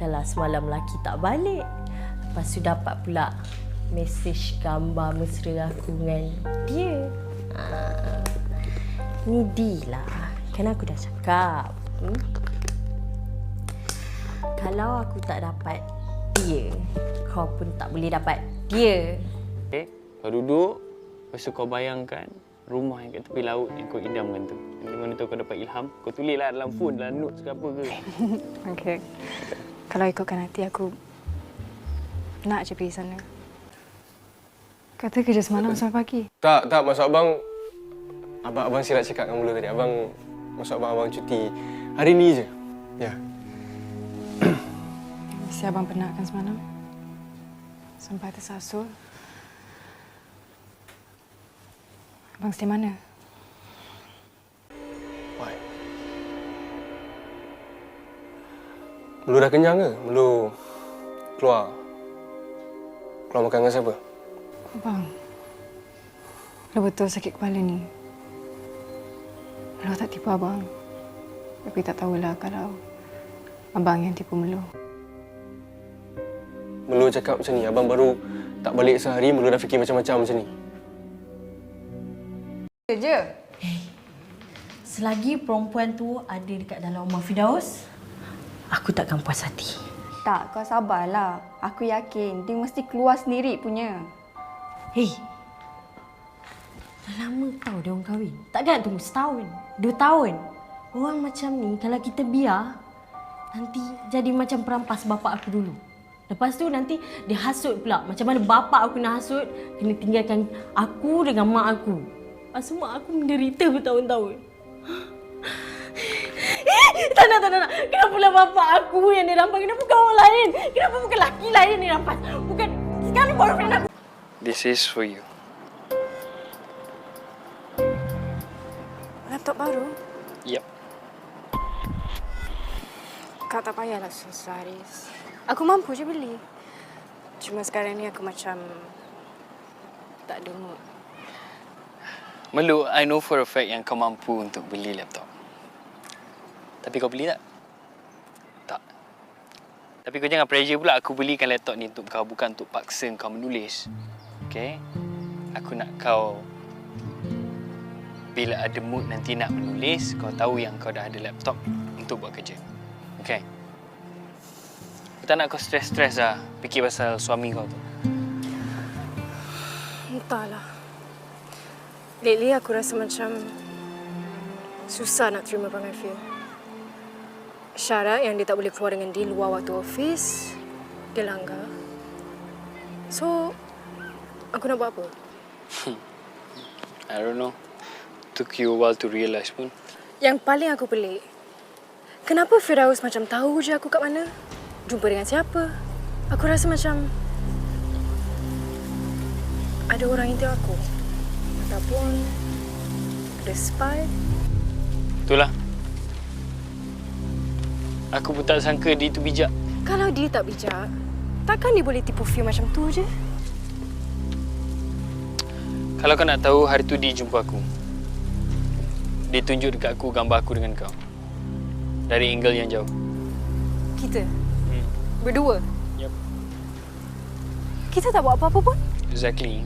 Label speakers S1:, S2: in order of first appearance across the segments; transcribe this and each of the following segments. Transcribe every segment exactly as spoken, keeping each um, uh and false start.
S1: Dahlah semalam lelaki tak balik. Lepas tu dapat pula mesej gambar mesra aku dengan dia. Ha. Ni D lah. Kan aku dah cakap. Hmm? Kalau aku tak dapat dia, kau pun tak boleh dapat dia.
S2: Okay, kau duduk. Lepas tu kau bayangkan rumah yang kat tepi laut yang kau idamkan tu. Nanti mana tu kau dapat ilham, kau tulislah dalam phone, dalam notes ke apa ke.
S3: Okey. Kalau ikutkan hati aku nak je pergi sana. Kata kerja semalam sampai pagi.
S4: Tak, tak. Maksud abang... Abang, abang silap cakap dengan mula tadi. Abang... Maksud abang, abang cuti hari ni je. Ya.
S3: Mesti abang penat kan semalam? Sampai tersasul. Abang stay mana?
S4: Why? Melu dah kenyang ke? Melu keluar. Keluar makan dengan siapa?
S3: Abang, Melu betul sakit kepala ni. Melu tak tipu abang. Tapi tak tahulah kalau abang yang tipu Melu.
S4: Melu cakap macam ni. Abang baru tak balik sehari, Melu dah fikir macam-macam macam ni.
S3: Je.
S1: Hey, selagi perempuan tu ada dekat dalam rumah Firdaus, aku takkan puas hati.
S5: Tak, kau sabarlah. Aku yakin dia mesti keluar sendiri punya.
S1: Hei, dah lama tau dia orang kahwin. Takkan tunggu setahun, dua tahun. Orang macam ni kalau kita biar, nanti jadi macam perampas bapa aku dulu. Lepas tu nanti dia hasut pula. Macam mana bapa aku nak hasut, kena tinggalkan aku dengan mak aku. Lepas tu mak aku menderita bertahun-tahun. Tak nak, tak nak, tak nak. Kenapa pula bapa aku yang dirampas? Kenapa bukan orang lain? Kenapa bukan lelaki lain yang dirampas? Bukan sekarang boyfriend aku.
S2: This is for you.
S3: Laptop baru?
S2: Yep.
S3: Kau tak payahlah susah, Haris. Aku mampu je beli. Cuma sekarang ni aku macam tak ada mood.
S2: Melu, I know for a fact yang kau mampu untuk beli laptop. Tapi kau beli tak? Tak. Tapi kau jangan pressure pula aku belikan laptop ni untuk kau, bukan untuk paksa kau menulis. Okay? Aku nak kau, bila ada mood nanti nak menulis, kau tahu yang kau dah ada laptop untuk buat kerja. Okay? Aku tak nak kau stres-stres lah fikir pasal suami kau tu.
S3: Entahlah. Lately aku rasa macam susah nak terima perangai Phil. Syarat yang dia tak boleh keluar dengan dia luar waktu office, dia langgar. So, aku nak buat apa?
S2: I don't know. Took you a while to realise pun.
S3: Yang paling aku pelik, kenapa Firdaus macam tahu je aku kat mana? Jumpa dengan siapa? Aku rasa macam ada orang intai aku. Ataupun ada spy.
S2: Itulah. Aku pun tak sangka dia tu bijak.
S3: Kalau dia tak bijak, takkan dia boleh tipu Phil macam tu je?
S2: Kalau kau nak tahu, hari tu dia jumpa aku. Dia tunjuk dekat aku gambar aku dengan kau. Dari angle yang jauh.
S3: Kita?
S2: Hmm.
S3: Berdua?
S2: Yep.
S3: Kita tak buat apa-apa pun?
S2: Exactly.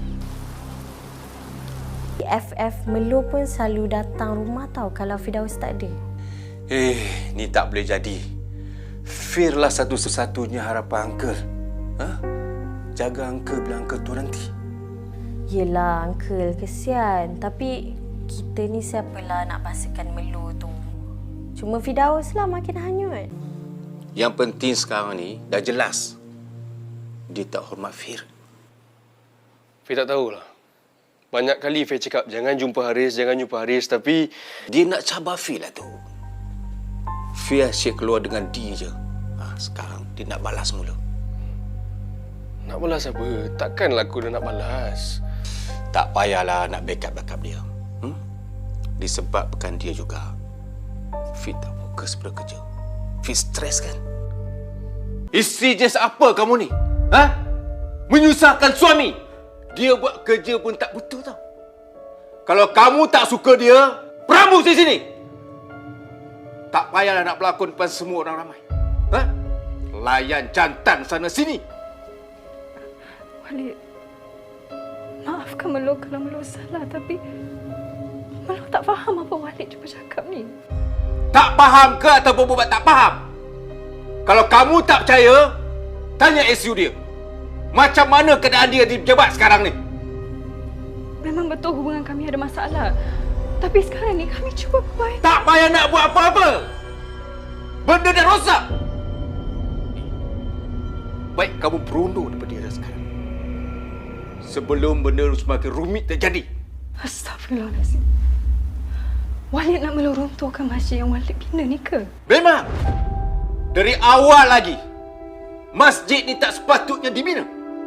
S1: F F Melu pun selalu datang rumah tau kalau Firdaus tak ada.
S6: Eh, ni tak boleh jadi. Fir lah satu-satunya harapan Uncle. Ha? Jaga Uncle bila Uncle tu nanti.
S1: Yelah, Uncle, kesian. Tapi kita ni siapalah nak pastikan Melu tu. Cuma Firdaus lah makin hanyut.
S6: Yang penting sekarang ni dah jelas. Dia tak hormat Fir.
S4: Fir tak tahulah. Banyak kali Fir cakap, jangan jumpa Haris, jangan jumpa Haris. Tapi
S6: dia nak cabar Fir lah tu. Fir asyik keluar dengan dia je. Ha, sekarang dia nak balas mula.
S4: nak balas apa? Takkanlah aku dah nak balas.
S6: Tak payahlah nak backup-backup dia. Hmm? Disebabkan dia juga. Fir tak fokus pada kerja. Fir stres kan? Isteri jenis apa kamu ni? Ha? Menyusahkan suami. Dia buat kerja pun tak betul tau. Kalau kamu tak suka dia, peramu di sini. Tak payahlah nak berlakon depan semua orang ramai. Ha? layan jantan sana sini.
S3: Walid, maafkan Melo kalau Melo salah, tapi Melo tak faham apa Walid cuba cakap ni.
S6: Tak faham ke ataupun buat tak faham? Kalau kamu tak percaya, tanya S U dia. Macam mana keadaan dia di pejabat sekarang ni?
S3: Memang betul hubungan kami ada masalah. Tapi sekarang ni kami cuba perbaiki.
S6: Tak payah nak buat apa-apa. Benda dah rosak. Baik kamu berundur daripada dia dah sekarang. Sebelum benda semakin rumit terjadi.
S3: Astagfirullahalazim. Walid nak melurunturkan masjid yang Walid bina ni ke?
S6: Memang. Dari awal lagi, masjid ni tak sepatutnya dibina.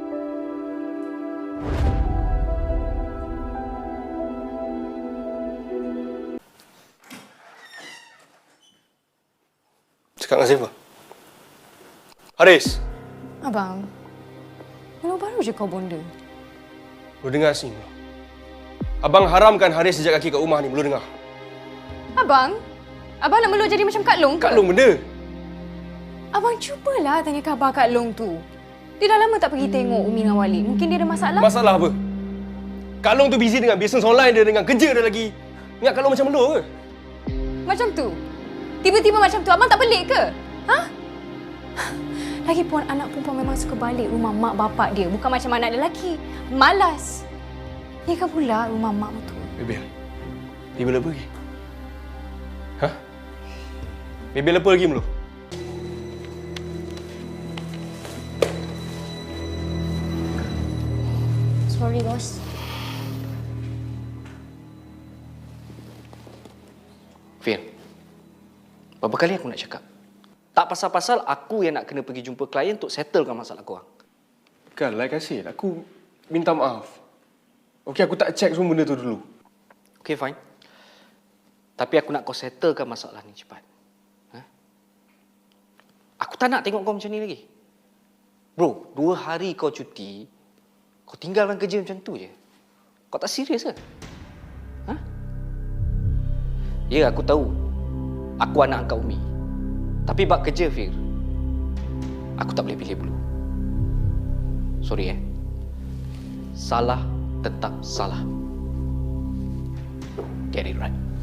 S4: Cakap dengan siapa? Haris,
S3: Abang, Melo baru je kau bonda.
S4: lu dengar sini. Melo. Abang haramkan Haris sejak kaki kat rumah ni. Lu dengar?
S3: Abang? Abang nak Melo jadi macam Kak Long ke?
S4: Kak Long benda.
S3: Abang cubalah tanya khabar Kak Long tu. Dia dah lama tak pergi tengok Umi dengan Walid. Mungkin dia ada masalah.
S4: Masalah apa? Kak Long tu busy dengan bisnes online dia, dengan kerja dia lagi. Ingat Kak Long macam lu ke?
S3: Macam tu? Tiba-tiba macam tu, abang tak pelik ke? Ha? Lagipun anak perempuan memang suka balik rumah mak bapak dia. Bukan macam anak lelaki. Malas. Ni kan pula rumah mak betul.
S4: Bebel. Bebel apa lagi? Hah? Bebel apa lagi Melo?
S1: Sorry, bos.
S2: Fir, berapa kali aku nak cakap? Tak pasal-pasal aku yang nak kena pergi jumpa klien untuk settlekan masalah korang.
S4: Kan, like I said, aku minta maaf. Okey, aku tak check semua benda tu dulu.
S2: Okay, fine. Tapi aku nak kau settlekan masalah ni cepat. Ha? Aku tak nak tengok kau macam ni lagi. Bro, dua hari kau cuti, kau tinggalkan kerja macam tu je. Kau tak serius ke? Ha? Ya, aku tahu. Aku anak angkat Umi. Tapi bab kerja, Fir, aku tak boleh pilih bulu. Sorry eh. Salah tetap salah. Get it right.